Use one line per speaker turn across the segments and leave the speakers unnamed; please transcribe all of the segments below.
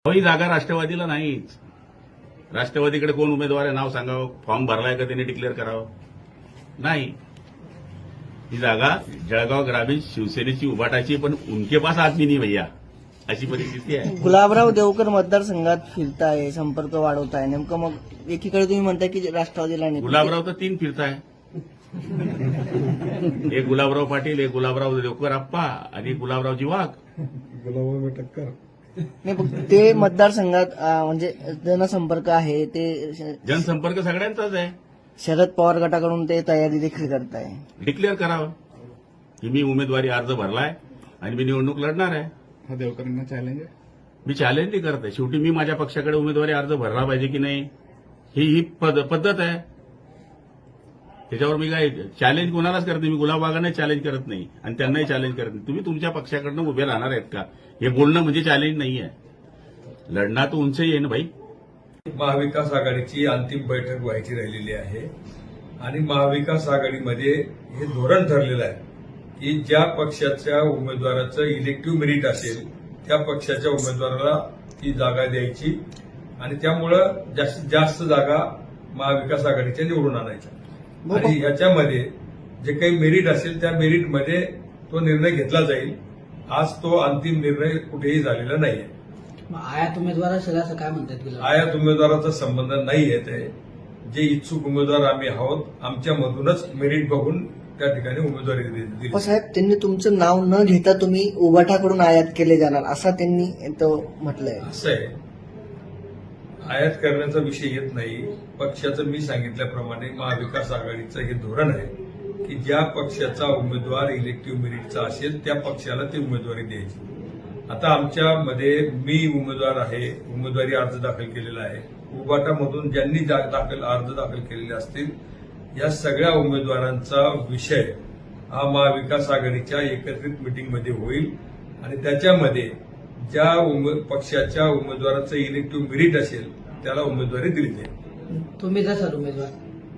ही जागा राष्ट्रवादीला नाहीच. राष्ट्रवादीकडे कोण उमेदवार आहे नाव सांगावं, फॉर्म भरलाय का त्यांनी डिक्लेअर करावं? नाही. ही जागा जळगाव ग्रामीण शिवसेनेची उभाटाची, पण उनके पास आदमी नाही भैया, अशी परिस्थिती आहे.
गुलाबराव देवकर मतदारसंघात फिरताय, संपर्क वाढवताय, नेमकं मग एकीकडे तुम्ही म्हणताय की राष्ट्रवादीला नाही.
गुलाबराव तर 3 फिरताय. एक गुलाबराव पाटील, एक गुलाबराव देवकर आप्पा आणि गुलाबरावजी वाघ.
गुलाबराव में टक्कर.
नाही, पण ते मतदारसंघात म्हणजे जनसंपर्क आहे ते
जनसंपर्क सगळ्यांचाच आहे.
शरद पवार गटाकडून ते तयारी देखील करताय.
डिक्लेअर करावं की मी उमेदवारी अर्ज भरलाय आणि मी निवडणूक लढणार आहे.
हा देवकरांना चॅलेंज आहे.
मी चॅलेंज नाही करत आहे. शेवटी मी माझ्या पक्षाकडे उमेदवारी अर्ज भरला पाहिजे की नाही, ही पद्धत आहे. त्याच्यावर मी काय चॅलेंज कोणालाच करत नाही. मी गुलाबबागांना चॅलेंज करत नाही आणि त्यांनाही चॅलेंज करत नाही. तुम्ही तुमच्या पक्षाकडनं उभे राहणार आहेत का, हे बोलणं म्हणजे चॅलेंज नाही आहे. लढणार तर उंच येईन भाई.
महाविकास आघाडीची अंतिम बैठक व्हायची राहिलेली आहे आणि महाविकास आघाडीमध्ये हे धोरण ठरलेलं आहे की ज्या पक्षाच्या उमेदवाराचं इलेक्टिव्ह मेरिट असेल त्या पक्षाच्या उमेदवाराला ती जागा द्यायची आणि त्यामुळं जास्तीत जास्त जागा महाविकास आघाडीच्या निवडून आणायच्या आणि ह्याच्यामध्ये जे काही मेरिट असेल त्या मेरिटमध्ये तो निर्णय घेतला जाईल. आज तो अंतिम निर्णय कुठेही झालेला नाहीये.
आयात उमेदवार असेल असं काय म्हणतात?
आयात उमेदवाराचा संबंध नाही येत आहे. जे इच्छुक उमेदवार आम्ही आहोत आमच्यामधूनच मेरिट बघून त्या ठिकाणी उमेदवारी दिली.
पण साहेब, त्यांनी तुमचं नाव न घेता तुम्ही उभाटाकडून आयात केले जाणार असं त्यांनी तो म्हटलंय.
असं आहे, आयात करण्याचा विषय येत नाही. पक्षाचं मी सांगितल्याप्रमाणे महाविकास आघाडीचं हे धोरण आहे की ज्या पक्षाचा उमेदवार इलेक्टिव्ह मेरिटचा असेल त्या पक्षाला ती उमेदवारी द्यायची. आता आमच्यामध्ये मी उमेदवार आहे, उमेदवारी अर्ज दाखल केलेला आहे. उभाटामधून ज्यांनी अर्ज दाखल केलेले असतील या सगळ्या उमेदवारांचा विषय हा महाविकास आघाडीच्या एकत्रित मिटिंगमध्ये होईल आणि त्याच्यामध्ये ज्या पक्षाच्या उमेदवाराचं इलेक्टिव्ह मेरिट असेल त्याला उमेदवारी दिली जाईल.
तुम्ही जसं उमेदवार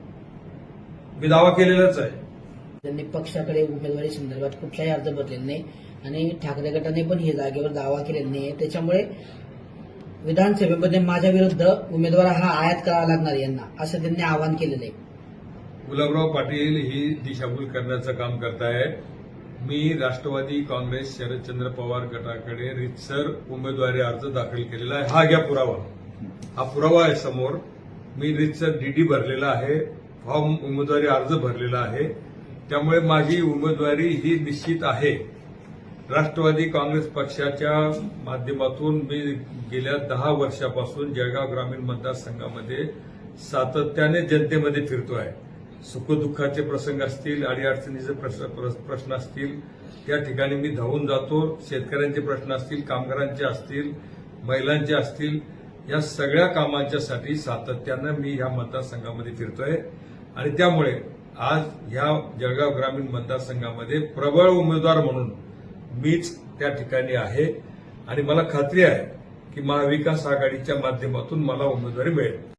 मी दावा केलेलाच आहे.
त्यांनी पक्षाकडे उमेदवारी संदर्भात कुठलाही अर्ज भरलेला नाही आणि ठाकरे गटाने पण हे जागेवर दावा केलेला नाही. त्याच्यामुळे विधानसभेमध्ये माझ्या विरुद्ध उमेदवार हा आयात करावा लागणार यांना असं त्यांनी आवाहन केलेलं आहे.
गुलाबराव पाटील ही दिशाभूल करण्याचं काम करतायत. मी राष्ट्रवादी काँग्रेस शरदचंद्र पवार गटाकडे रितसर उमेदवारी अर्ज दाखल केलेला आहे. हा घ्या पुरावा. हा पुरावा आहे समोर. मी रितसर डीडी भरलेला आहे, फॉर्म उमेदवारी अर्ज भरलेला आहे. त्यामुळे माझी उमेदवारी ही निश्चित आहे. राष्ट्रवादी काँग्रेस पक्षाच्या माध्यमातून मी गेल्या 10 वर्षापासून जळगाव ग्रामीण मतदारसंघामध्ये सातत्याने जनतेमध्ये फिरतोय. सुखदुःखाचे प्रसंग असतील, अडीअडचणीचे प्रश्न असतील त्या ठिकाणी मी धावून जातो. शेतकऱ्यांचे प्रश्न असतील, कामगारांचे असतील, महिलांचे असतील, या सगळ्या कामांच्यासाठी सातत्यानं मी ह्या मतदारसंघामध्ये फिरतोय आणि त्यामुळे आज ह्या जळगाव ग्रामीण मतदारसंघामध्ये प्रबळ उमेदवार म्हणून मीच त्या ठिकाणी आहे आणि मला खात्री आहे की महाविकास आघाडीच्या माध्यमातून मला उमेदवारी मिळेल.